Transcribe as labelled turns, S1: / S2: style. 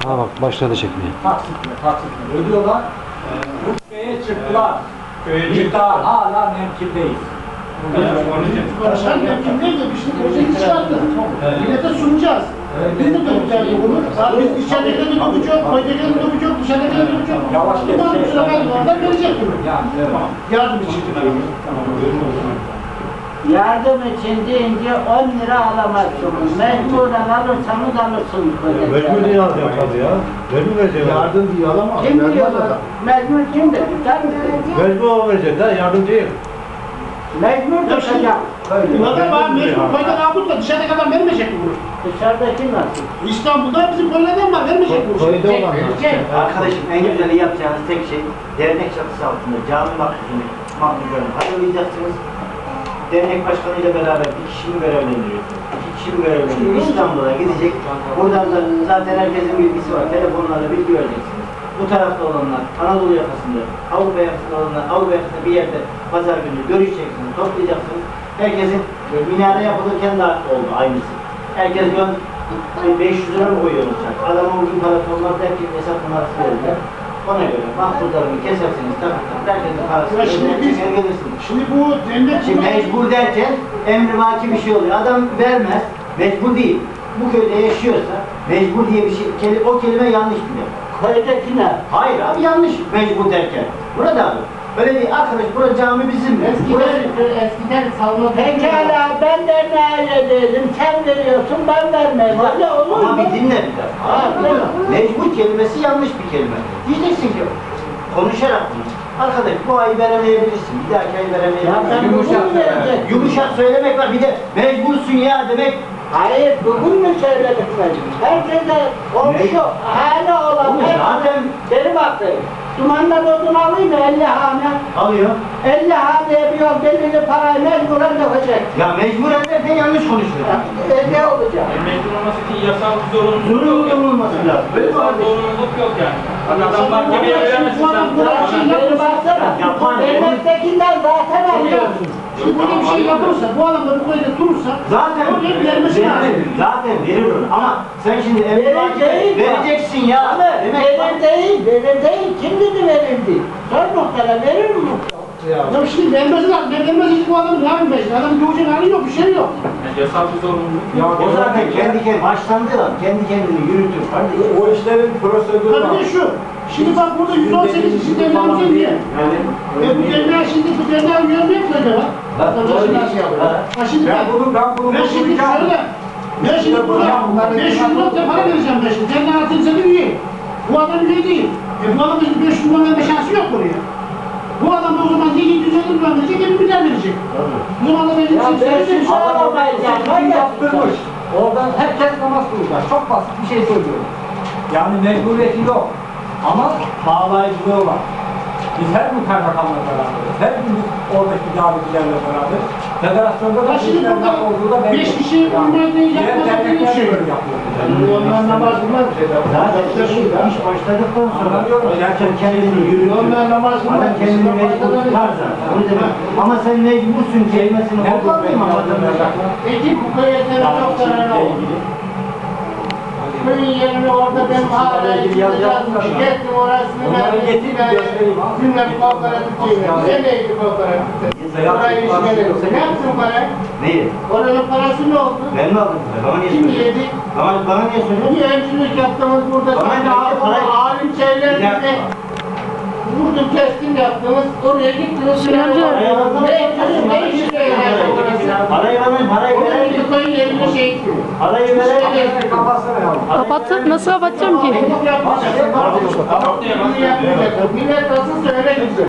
S1: Ha bak başladı çekmeye.
S2: Taksitle ödüyorlar. Rütbeye çıktılar. İddia hala mümkündeyiz.
S3: Başkan mümkün de işte projeyi çıkarttı. Millete sunacağız. Biz de döneceğiz bunu. Biz içeridekilerin durumu çok, koydakilerin durumu çok, dışarıdakilerin durumu çok.
S2: Yavaş gel.
S3: Bunlar bu sefer oradan verecek bunu. Yardım için.
S4: Yardım için deyince 10 lira alamazsınız. Mecburen alırsanız alırsınız.
S5: Mecbur diye alacağım tabii ya. Mecbur verecek.
S3: Yardım diye alamaz.
S4: Kim diyorlar? Mecbur kim dedi? Sen misin?
S5: Mecbur verecek ha, yardım değil.
S4: Mecbur tutacak.
S3: Bunlar var, mecbur koydan avutla dışarıdaki adam vermeyecek mi bunu?
S4: Dışarıdaki nasıl?
S3: İstanbul'da bizim koylardan var, vermeyecek mi bunu?
S4: Verecek.
S6: Arkadaşım en güzeli yapacağınız tek şey dernek çatısı altında cami mahluklarını hazırlayacaksınız. Dernek başkanıyla beraber bir kişi mi görevlendiriyorsunuz? İki kişi mi görevlendiriyorsunuz? İstanbul'a gidecek. Buradan da zaten herkesin bilgisi var. Telefonlarla bilgi vereceksiniz. Bu tarafta olanlar Anadolu yakasında, Avrupa yakasında olanlar Avrupa yakasında bir yerde pazar günü görüşeceksiniz, toplayacaksınız. Herkesin minare yapılırken de oldu aynısı. Herkes 500 lira mı koyuyoruz? Adamın bugün parası olmaz derken hesap numarası verirler. Ona göre mahsullarını kesersiniz, takırsınız, herkesin parasını gelirsiniz.
S3: Şimdi bu devlet...
S6: Şimdi mecbur derken emrivaki bir şey oluyor. Adam vermez, mecbur değil. Bu köyde yaşıyorsa mecbur diye bir şey, o kelime yanlış bile.
S4: Köydeki ne?
S6: Hayır abi yanlış mecbur derken. Burada abi. Öyle değil arkadaş, burası cami bizim mi?
S3: Eskiden savunma...
S4: Pekala ben de ne dedim, sen veriyorsun ben vermem. Öyle olur mu?
S6: Ama bir dinle bir dakika.
S4: Ha,
S6: Mecbur kelimesi yanlış bir kelime. Diyeceksin ki konuşarak konuş. Arkadaş bu ayı veremeyebilirsin, bir dahaki ayı
S4: Ya
S6: veremeyebilirsin.
S4: sen bugün mü vereceksin?
S6: Yumuşak söylemek var, bir de mecbursun ya demek.
S4: Hayır, bugün mü söyledik ben? Herkese komşu, hane olan
S6: Oğlum zaten
S4: beni bakayım. Dumanla odun alayım mı 50 hane?
S6: alıyor.
S4: 50 haneye bir yol belirli parayı mecburen dökecek.
S6: Ya mecburen derken yanlış konuşuyor.
S4: Ne olacak?
S7: Mecbur olması için yasal bir zorunluluk yok.
S6: Zorunlu olması lazım. Böyle mi
S7: Yasal
S6: abi?
S7: zorunluluk yok yani. Adam mahkemeye veremezsin sen.
S4: Beni baksana, devlettekinden zaten alıyorsun.
S3: Şimdi böyle bir şey yapılırsa, bu adam da bu koyda durursa...
S6: Zaten
S3: oraya vermesi lazım.
S6: Zaten verir onu. Ama sen şimdi
S4: Verir değil.
S6: vereceksin ya. Demek
S4: Verir değil. Kim dedi verildi? Sor muhtara verir mi?
S3: Ya şimdi vermesi lazım. Vermesi için bu adamın ne yapmayacak? Adamın göğecek hali yok, bir şey yok.
S7: Yani yasal bir zorunluluk.
S6: o zaten kendi kendine başlandı lan. Kendi kendini yürütür. Kardeşim.
S2: O işlerin prosedürü var.
S3: Tabii de şu, şimdi bak burada 118 kişi devletimizin diye. Bu devlet şimdi bu devlet üyeleri yok mu acaba? Vatandaşın nasıl yapıyor? Ha şimdi
S2: Ben bunu
S3: ben şimdi şöyle, ben şimdi burada 500 lira para vereceğim ben şimdi. Devlet altınıza bir üye. Bu adam üye değil. Bu adam 500 lira verme şansı yok buraya. Bu adam da o zaman 750 lira verecek, 1 milyar verecek. Bu zaman da benim
S4: Ya
S3: için
S4: ben
S3: söyleyeceğim.
S4: şu arabayı
S2: Yaptırmış. Oradan herkes namaz kılacak. Çok basit bir şey söylüyorum. Yani mecburiyeti yok. Ama bağlayıcılığı var. Biz her gün kaymakamla beraberiz. Her gün biz oradaki davetlilerle beraberiz. Federasyonda da
S3: Ya şimdi
S2: bizlerden olduğu da
S3: burada 5 kişi üniversiteyi
S2: diğer
S3: yapmasak bir
S2: dernekler
S3: şey.
S2: de böyle yapıyor.
S3: Onlar namaz kılmaz.
S6: Zaten iş başladıktan sonra zaten kendini yürütür.
S3: Onlar namaz kılmaz.
S6: Adam kendini mecbur tutar zaten. Onu demek. Ama sen mecbursun kelimesini kullanmayayım ama
S3: Eti bu köyetleri çok zararlı oldu. Köyün yerini orada ben hala yazdım. Gittim orasını ben bilmem kooperatifçiyim. Nereydi kooperatifte? Orayı işgaledim. Ne yaptın parayı?
S6: neyi?
S3: Oranın parası ne oldu?
S6: Ben mi aldım? Bana niye
S3: Kim
S6: söylüyorsun?
S3: yedi?
S6: Bana niye söylüyorsun?
S3: Bir öncülük yaptığımız burada
S6: Bana
S3: sen
S6: ne yaptın? Parayı-
S3: alim şeylerinize vurdum kestim yaptınız. Oraya gittiniz. Ne işe yarayacak orası?
S6: Parayı veren
S3: Koyun yerine şey gittiniz.
S6: parayı veren
S8: Kapatıp nasıl kapatacağım ki?
S3: Millet nasıl söyleyin?